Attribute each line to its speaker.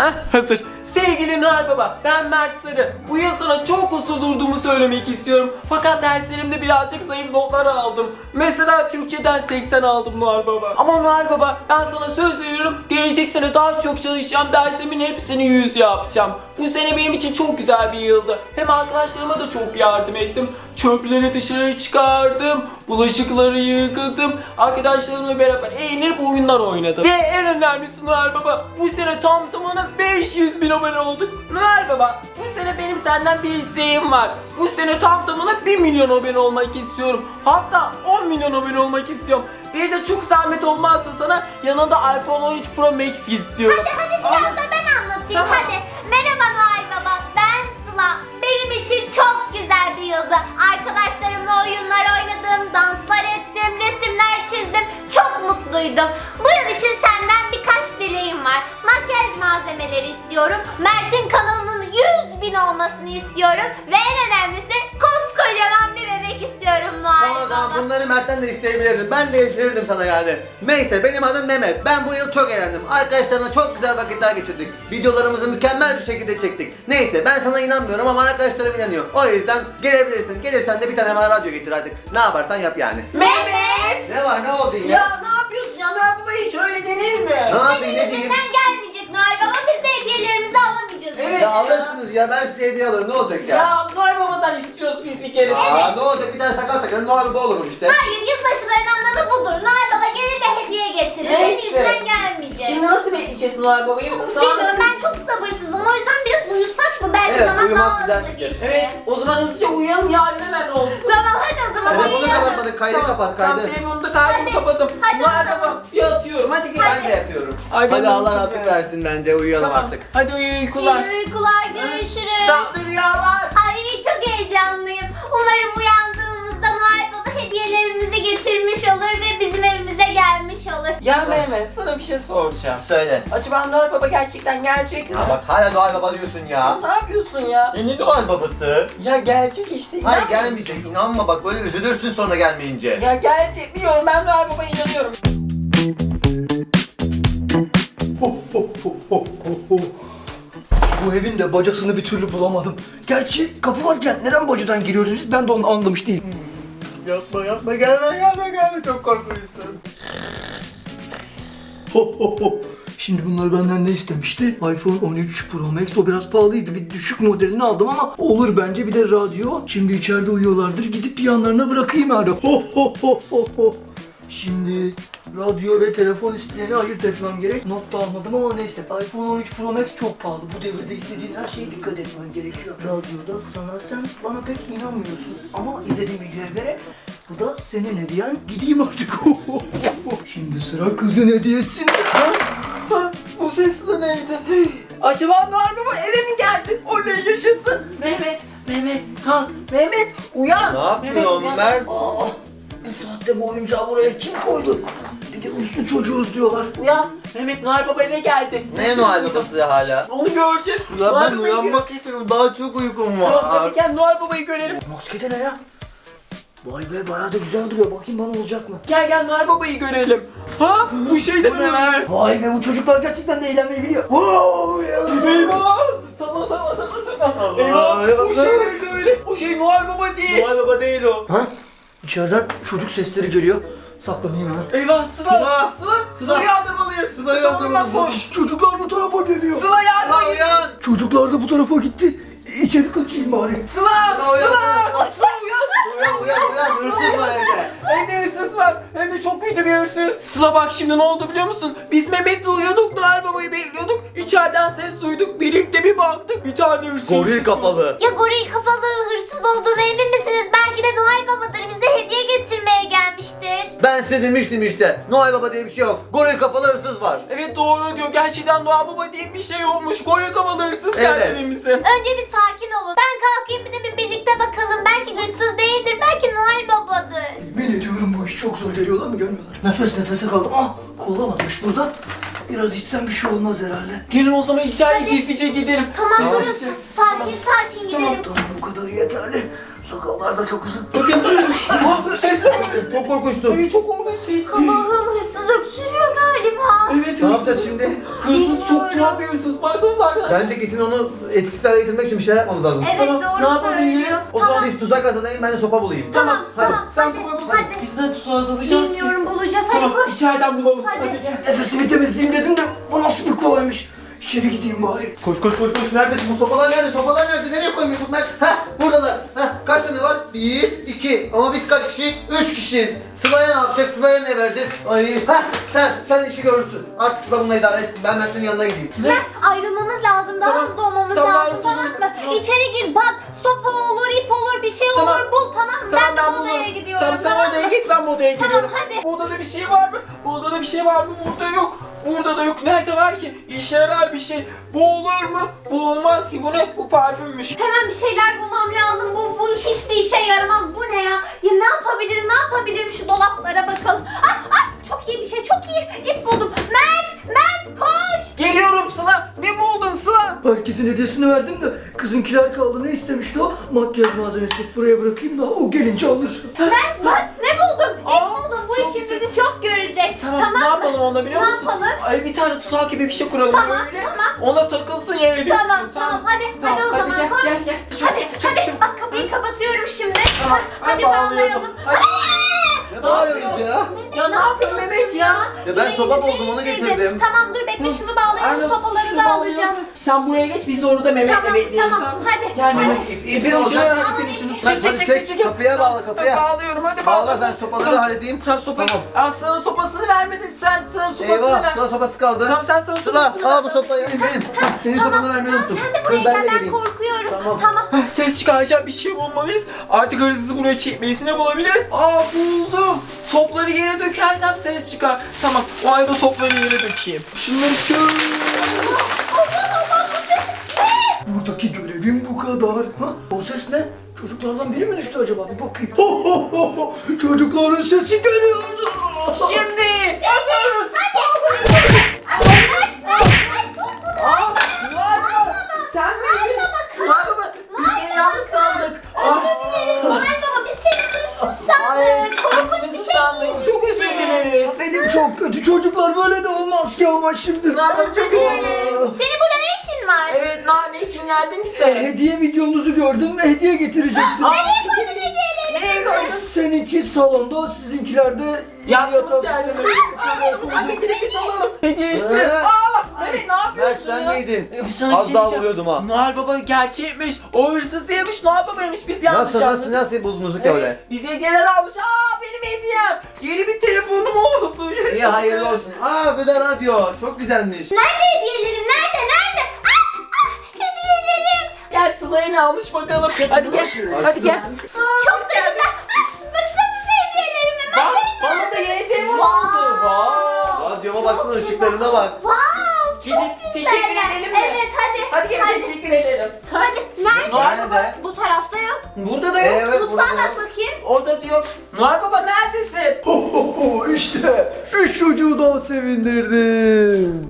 Speaker 1: Hazır. Sevgili Noel Baba, ben Mert Sarı. Bu yıl sana çok uslu durduğumu söylemek istiyorum. Fakat derslerimde birazcık zayıf notlar aldım. Mesela Türkçeden 80 aldım Noel Baba. Ama Noel Baba, ben sana söz veriyorum. Gelecek sene daha çok çalışacağım. Dersimin hepsini 100 yapacağım. Bu sene benim için çok güzel bir yıldı. Hem arkadaşlarıma da çok yardım ettim. Çöpleri dışarı çıkardım. Bulaşıkları yıkadım. Arkadaşlarımla beraber eğlenip oyunlar oynadım. Ve en önemlisi Noel Baba, bu sene tam tamına 500.000 abone olduk. Noel Baba, bu sene benim senden bir isteğim var. Bu sene tam tamına 1 milyon abone olmak istiyorum. Hatta 10 milyon abone olmak istiyorum. Bir de çok zahmet olmazsa sana yanında iPhone 13 Pro Max istiyorum.
Speaker 2: Hadi biraz da ben anlatayım.
Speaker 1: Tamam.
Speaker 2: Hadi. Merhaba Noel Baba, ben Sıla. Benim için çok güzel bir yıldı. Arkadaşlarımla oyunlar oynadım, danslar ettim, resimler çizdim. Çok mutluydum. Bu yıl için senden birkaç dileğim var. Makyaj malzemeleri istiyorum. Mert'in kanalının 100.000 olmasını istiyorum. Ve en önemlisi koskocaman bir bebek istiyorum Noel Baba.
Speaker 3: Tamam, bunları Mert'ten de isteyebilirdim. Ben de getirirdim sana yani. Neyse, benim adım Mehmet. Ben bu yıl çok eğlendim. Arkadaşlarımla çok güzel vakitler geçirdik. Videolarımızı mükemmel bir şekilde çektik. Neyse, ben sana inanmıyorum ama arkadaşlarım inanıyor. O yüzden gelebilirsin. Gelirsen de bir tane bana radyo getir artık. Ne yaparsan yap yani.
Speaker 2: Mehmet!
Speaker 3: Ne var, ne oldu yine?
Speaker 1: Ya ne yapıyorsun ya? Noel Baba hiç öyle denir mi?
Speaker 3: Ne yapayım,
Speaker 2: Senin
Speaker 3: ne diyeyim?
Speaker 2: yüzünden gelmeyecek Noel Baba. Biz de hediyelerimizi alamayacağız.
Speaker 1: Evet.
Speaker 3: Ya alırsınız ya, ben size hediye alırım. Ne olacak ya?
Speaker 1: Ya Noel Baba'dan istiyoruz biz bir kere.
Speaker 3: Ne olacak, bir tane sakal takarım. Noel Baba olurum işte.
Speaker 2: Hayır, yılbaşıların anlamı budur. Noel Baba gelir ve hediye getirir. Senin
Speaker 1: Neyse.
Speaker 2: yüzünden gelmeyecek.
Speaker 1: Şimdi nasıl bekleyeceğiz Noel Baba'yı?
Speaker 2: Bilmiyorum, ben çok sabırsızım. O yüzden biraz uyusak mı? Belki
Speaker 3: Evet,
Speaker 2: zaman
Speaker 3: uyumak
Speaker 2: daha
Speaker 3: güzel
Speaker 2: hızlı
Speaker 3: fikir.
Speaker 2: geçer.
Speaker 1: Evet, o zaman hızlıca uyuyalım, yarın hemen olsun.
Speaker 2: Tamam, hadi o zaman
Speaker 3: Telefonu
Speaker 2: uyuyalım.
Speaker 3: kapatmadık, kaydı kapat,
Speaker 1: Tamam,
Speaker 3: kaydı.
Speaker 1: telefonumda kaydımı
Speaker 2: Hadi.
Speaker 1: kapadım.
Speaker 2: Hadi
Speaker 1: Noel
Speaker 2: o zaman.
Speaker 1: Baba, yatıyorum, hadi gel.
Speaker 3: Ben de yatıyorum.
Speaker 1: Ay, ben
Speaker 3: Hadi
Speaker 1: de
Speaker 3: Allah
Speaker 1: uykum
Speaker 3: rahatlık
Speaker 1: ya.
Speaker 3: versin bence, uyuyalım
Speaker 1: Tamam,
Speaker 3: artık.
Speaker 1: hadi uyu, uykular.
Speaker 2: İyi uykular, görüşürüz.
Speaker 1: Tatlı rüyalar.
Speaker 2: Ay, çok heyecanlıyım. Umarım uyandığımızda Noel Baba hediyelerimizi getirmiş olur ve bizim evimize gelmiş olur.
Speaker 1: Ya Mehmet, sana bir şey soracağım.
Speaker 3: Söyle.
Speaker 1: Acaba Noel Baba gerçekten gelecek mi?
Speaker 3: Ya bak, hala Noel Baba diyorsun ya.
Speaker 1: Ne yapıyorsun ya?
Speaker 3: Ne Noel Babası?
Speaker 1: Ya gelecek işte,
Speaker 3: Hayır,
Speaker 1: inan.
Speaker 3: gelmeyecek, inanma bak, böyle üzülürsün sonra gelmeyince.
Speaker 1: Ya gelecek, biliyorum, ben Noel Baba'ya inanıyorum.
Speaker 4: Bu evin de bacasını bir türlü bulamadım. Gerçi kapı varken neden bacadan giriyoruz biz? Ben de onu anlamış değilim.
Speaker 3: Yapma, gelme, çok korkuyorsun.
Speaker 4: Şimdi bunlar benden ne istemişti? iPhone 13 Pro Max, o biraz pahalıydı. Bir düşük modelini aldım ama olur bence. Bir de radyo. Şimdi içeride uyuyorlardır. Gidip yanlarına bırakayım yani. Şimdi radyo ve telefon isteyeni ayırt etmem gerek. Not da almadım ama neyse. iPhone 13 Pro Max çok pahalı. Bu devirde istediğin her şeye dikkat etmen gerekiyor. Radyoda sana, sen bana pek inanmıyorsun. Ama izlediğim videoya göre bu da senin hediyen. Gideyim artık. Şimdi sıra kızın hediyesinde.
Speaker 1: Bu ses de neydi? Acaba Noel Baba eve mi geldi? Oley, yaşasın. Mehmet, kalk. Mehmet, uyan.
Speaker 3: Ne yapıyorsun
Speaker 1: Mehmet,
Speaker 3: Mert?
Speaker 4: Aa, bu saatte bu oyuncağı buraya kim koydu? Bir de uslu çocuğuz diyorlar.
Speaker 1: Uyan. Mehmet, Noel Baba eve geldi.
Speaker 3: Ne
Speaker 1: Sesini
Speaker 3: Noel
Speaker 1: duydum.
Speaker 3: Babası hala?
Speaker 1: Onu göreceğiz.
Speaker 3: Ulan
Speaker 1: Noel
Speaker 3: ben
Speaker 1: Baba'yı
Speaker 3: uyanmak
Speaker 1: göreceğiz.
Speaker 3: istiyorum, daha çok uykum
Speaker 1: Tamam,
Speaker 3: var.
Speaker 1: hadi gel Noel Baba'yı görelim.
Speaker 4: Maskede ne ya? Vay be, bayağı da güzel duruyor. Bakayım bana olacak mı?
Speaker 1: Gel Noel Baba'yı görelim. Ha? Bu şey de
Speaker 3: Bu ne lan?
Speaker 4: Vay be, bu çocuklar gerçekten de eğlenmeyi biliyor. Wow ya.
Speaker 1: Eyvah! Sana. Eyvah!
Speaker 3: eyvah.
Speaker 1: Bu şey neydi öyle? Bu şey Noel Baba değil.
Speaker 3: Noel Baba değil o.
Speaker 4: Ha? İçeriden çocuk sesleri geliyor. Saklanayım hemen.
Speaker 1: Eyvah, Sıla!
Speaker 3: Sıla!
Speaker 1: Sıla yardırmalıyız.
Speaker 3: Sıla yardırmalıyız.
Speaker 1: Koş.
Speaker 4: Çocuklar bu tarafa geliyor.
Speaker 1: Sıla yardım
Speaker 3: Ulan
Speaker 1: et.
Speaker 3: uyan!
Speaker 4: Çocuklar da bu tarafa gitti. İçeri kaçayım bari.
Speaker 1: Sıla!
Speaker 3: uyan,
Speaker 1: Sıla! Sıla
Speaker 3: Uyan, hırsız var evde.
Speaker 1: Evde hırsız var. Hem de çok kötü bir hırsız. Sıla bak, şimdi ne oldu biliyor musun? Biz Mehmet'le uyuyorduk, Noel Baba'yı bekliyorduk. İçeriden ses duyduk. Birlikte bir baktık, bir tane hırsız.
Speaker 3: Goril kafalı.
Speaker 2: Ya goril kafalı hırsız olduğunu emin misiniz? Belki de Noel Baba'dır. Bize hediye getirmeye gelmiştir.
Speaker 3: Ben size demiştim işte. Noel Baba diye bir şey yok. Goril kafalı hırsız var.
Speaker 1: Evet, doğru diyor. Gerçekten Noel Baba diye bir şey olmuş. Goril kafalı hırsız geldi
Speaker 3: Evet.
Speaker 1: evimize.
Speaker 2: Önce bir sakin olun. Ben kalkayım, bir de bir birlikte bakalım. Belki hırsız değildir. Belki Noel Baba'dır.
Speaker 4: Yemin ediyorum bu iş çok zor, geliyorlar mı gelmiyorlar. Nefes nefese kaldım. Ah, kola varmış burada. Biraz içsem bir şey olmaz herhalde.
Speaker 1: Gelin o zaman içeri gizlice gidelim.
Speaker 2: Tamam, durun.
Speaker 1: Sessiz.
Speaker 2: Sakin gidelim.
Speaker 4: Tamam, bu kadar yeterli. Sakallar da çok uzun.
Speaker 1: Bakın. Ah, sesler.
Speaker 3: Çok korkunçtu.
Speaker 1: Evet, çok korkunç ses.
Speaker 2: Allah'ım, hırsız öksürüyor galiba. acaba?
Speaker 1: Evet
Speaker 3: Ne
Speaker 1: hırsız.
Speaker 3: yapacağız şimdi?
Speaker 1: Hırsız çok tuhaf bir hırsız. Baksanıza arkadaşlar.
Speaker 3: Bence kesin onu etkisiz hale getirmek için bir şeyler yapmamız lazım.
Speaker 2: Evet
Speaker 1: Tamam, ne
Speaker 2: doğru
Speaker 1: yapabiliriz?
Speaker 2: söylüyor.
Speaker 1: O
Speaker 2: Tamam.
Speaker 3: Siz tuzak hazırlayın, ben de sopa bulayım.
Speaker 2: Tamam,
Speaker 3: hadi.
Speaker 2: tamam.
Speaker 1: Sen
Speaker 2: Hadi,
Speaker 1: sopa bul.
Speaker 2: hadi.
Speaker 1: Biz de tuzağa hazırlayacağız.
Speaker 2: Bilmiyorum bulacağız. Hadi
Speaker 1: Tamam
Speaker 2: koş.
Speaker 1: içeriden bulalım.
Speaker 2: Hadi.
Speaker 1: Hadi gel.
Speaker 4: Nefesimi temizleyeyim dedim de bu nasıl bir kolaymış. İçeri gideyim bari.
Speaker 3: Koş koş koş koş. Nerede bu sopalar nerede? Sopalar nerede? Nereye koymuş bunlar? Heh buradalar. Heh kaç tane var? 1, 2. Ama biz kaç kişiyiz? 3 kişiyiz. Sıla'ya ne yapacak? Sıla'ya ne vereceğiz? Ay heh sen işi görürsün. Artık Sıla bununla idare etsin. Ben senin yanına gideyim.
Speaker 2: Ayrılmamız lazım. Daha
Speaker 1: Tamam,
Speaker 2: hızlı olmamız
Speaker 1: tamam,
Speaker 2: lazım.
Speaker 1: tamam,
Speaker 2: Tamam mı?
Speaker 1: tamam.
Speaker 2: İçeri gir bak. Sopa olur, ip olur, bir şey
Speaker 1: Tamam.
Speaker 2: olur. Bul tamam mı? Ben de bu odaya
Speaker 1: bulurum.
Speaker 2: gidiyorum.
Speaker 1: Tamam sen odaya
Speaker 2: mı?
Speaker 1: git ben bu odaya
Speaker 2: Tamam,
Speaker 1: geliyorum.
Speaker 2: hadi.
Speaker 1: Bu odada bir şey var mı? Bu odada bir şey var mı? Burada yok. Burada da yok. Nerede var ki? İşe yarar bir şey. Bu olur mu? Bu olmaz ki. Bu ne? Bu parfümmüş.
Speaker 2: Hemen bir şeyler bulmam lazım. Bu hiçbir işe yaramaz. Bu ne ya? Ya ne yapabilirim? Ne yapabilirim? Şu dolaplara bakalım. Çok iyi bir şey. Çok iyi. İp buldum. Mert koş.
Speaker 1: Geliyorum Sıla. Ne buldun Sıla?
Speaker 4: Herkesin hediyesini verdim de kızınkiler kaldı. Ne istemişti o? Makyaj malzemesi. Buraya bırakayım da o gelince alır.
Speaker 2: Mert bak ne buldum? İp
Speaker 1: Aa,
Speaker 2: buldum. Bu
Speaker 1: çok
Speaker 2: işimizi
Speaker 1: güzel.
Speaker 2: çok görecek.
Speaker 1: Tamam, ne
Speaker 2: mı?
Speaker 1: yapalım onda biliyor
Speaker 2: Ne
Speaker 1: musun?
Speaker 2: yapalım?
Speaker 1: Ay bir tane tuzak gibi bir şey kuralım
Speaker 2: Tamam,
Speaker 1: öyle.
Speaker 2: tamam.
Speaker 1: Ona takılsın yere düşsün.
Speaker 2: Tamam. Hadi o zaman
Speaker 1: gel,
Speaker 2: koş.
Speaker 1: gel. Çabuk,
Speaker 2: Hadi
Speaker 1: çabuk,
Speaker 2: hadi
Speaker 1: çabuk.
Speaker 2: bak kapıyı kapatıyorum şimdi.
Speaker 1: Tamam,
Speaker 2: Hadi
Speaker 1: bağlayalım.
Speaker 2: bağlayalım.
Speaker 1: Hadi.
Speaker 3: Ne bağırıyorsunuz ya?
Speaker 1: Ya ne yapıyorsun Mehmet ya?
Speaker 3: Ya ben
Speaker 2: Yine
Speaker 3: sopa
Speaker 2: elimizi
Speaker 3: buldum, onu
Speaker 2: indirdim.
Speaker 3: getirdim.
Speaker 2: Tamam dur bekle şunu bağlayalım.
Speaker 1: Aynen,
Speaker 2: Sopaları
Speaker 1: şunu
Speaker 2: da
Speaker 1: bağlayalım.
Speaker 2: alacağız.
Speaker 1: Sen buraya geç biz orada Mehmet'le
Speaker 2: Tamam,
Speaker 1: bekleyelim.
Speaker 2: tamam. Hadi,
Speaker 1: Gel
Speaker 2: hadi.
Speaker 1: Mehmet.
Speaker 3: İpin
Speaker 1: İpin ucunu
Speaker 3: olacak.
Speaker 1: ver ipin ucunu.
Speaker 3: Hadi çek, kapıya bağla, kapıya.
Speaker 1: Bağlıyorum hadi
Speaker 3: Bağla, ben sopaları halledeyim.
Speaker 1: Sen sopayı.
Speaker 3: Tamam.
Speaker 1: Aa, sana sopasını vermedin sen. Sana sopasını
Speaker 3: Eyvah,
Speaker 1: ver.
Speaker 3: Sıla sopası kaldı.
Speaker 1: Tamam sen sana
Speaker 3: Sıla,
Speaker 1: sopasını
Speaker 3: al bu
Speaker 1: ver.
Speaker 3: sopayı. Benim. Senin sopanı vermeyi unuttum.
Speaker 2: Sen de buraya
Speaker 3: Dur, ben
Speaker 2: gel
Speaker 3: de
Speaker 2: ben
Speaker 3: geleyim.
Speaker 2: korkuyorum.
Speaker 3: Tamam.
Speaker 2: Tamam.
Speaker 1: Ah, ses çıkaracak bir şey bulmalıyız. Artık hırsızı buraya çekmeyiz. Ne bulabiliriz? Aa buldum. Topları yere dökersem ses çıkar. Tamam o ayda topları yere dökeyim. Şunları şöyle.
Speaker 4: Buradaki görevim bu kadar. Ha? O ses ne? Çocuklardan biri mi düştü acaba? Bir bakayım. Ho ho ho ho. Çocukların sesi geliyordu.
Speaker 1: Şimdi. Hazır. Aa, Noel Baba. Sen miydin? Noel Baba. Biz seni yanlış sandık.
Speaker 2: Noel Baba biz seni hırsız
Speaker 1: Ay,
Speaker 2: sandık. Korkunç bir
Speaker 1: hırsızı
Speaker 2: şey
Speaker 1: sandık. Çok özür dileriz.
Speaker 4: Benim çok kötü çocuklar böyle de olmaz ki ama şimdi.
Speaker 1: Ne yapalım çok özür dileriz.
Speaker 2: Senin burada ne işin var?
Speaker 1: Evet ne için geldin ki sen?
Speaker 4: Hediye videonuzu gördüm ve hediye getirecektim.
Speaker 1: Nereye koydun hediyeleri? Nereye koydun?
Speaker 4: Seninki salonda, sizinkiler de
Speaker 1: Yattığımız yerde mi? Hadi gidip biz alalım. Hediye iste. Aa! Evet ne yapıyorsun
Speaker 3: Mert sen
Speaker 1: ya?
Speaker 3: miydin?
Speaker 1: Sana bir
Speaker 3: Az
Speaker 1: şey
Speaker 3: daha
Speaker 1: diyeceğim.
Speaker 3: vuruyordum ha.
Speaker 1: Noel Baba gerçekmiş. O hırsız değilmiş. Noel Baba'ymış. Biz yanlış
Speaker 3: Nasıl buldunuz ki öyle?
Speaker 1: Biz hediyeler almış. Aa benim hediyem. Yeni bir telefonum oldu.
Speaker 3: İyi hayırlı olsun. Aa bu da radyo. Çok güzelmiş.
Speaker 2: Nerede hediyelerim? Nerede? Hediyelerim.
Speaker 1: Gel Sıla'yı almış bakalım. Hadi gel. Hadi gel.
Speaker 2: Çok da güzel. Baksanıza hediyelerime.
Speaker 1: Bak bana da yeni telefon
Speaker 2: Wow.
Speaker 1: oldu. Wow.
Speaker 3: Radyoma baksana, ışıklarına bak.
Speaker 2: Wow. Çok
Speaker 1: Gidip
Speaker 2: güzel.
Speaker 1: teşekkür edelim mi?
Speaker 2: Evet hadi.
Speaker 1: Hadi gel teşekkür edelim.
Speaker 2: Hadi. Nerede?
Speaker 1: Noel Baba.
Speaker 3: Nerede?
Speaker 2: Bu tarafta yok.
Speaker 1: Burada da yok.
Speaker 3: Evet
Speaker 2: Mutfağa
Speaker 3: burada.
Speaker 2: bak bakayım.
Speaker 1: Orada da yok. Noel Baba neredesin?
Speaker 4: Ho ho ho işte 3 çocuğu daha sevindirdim.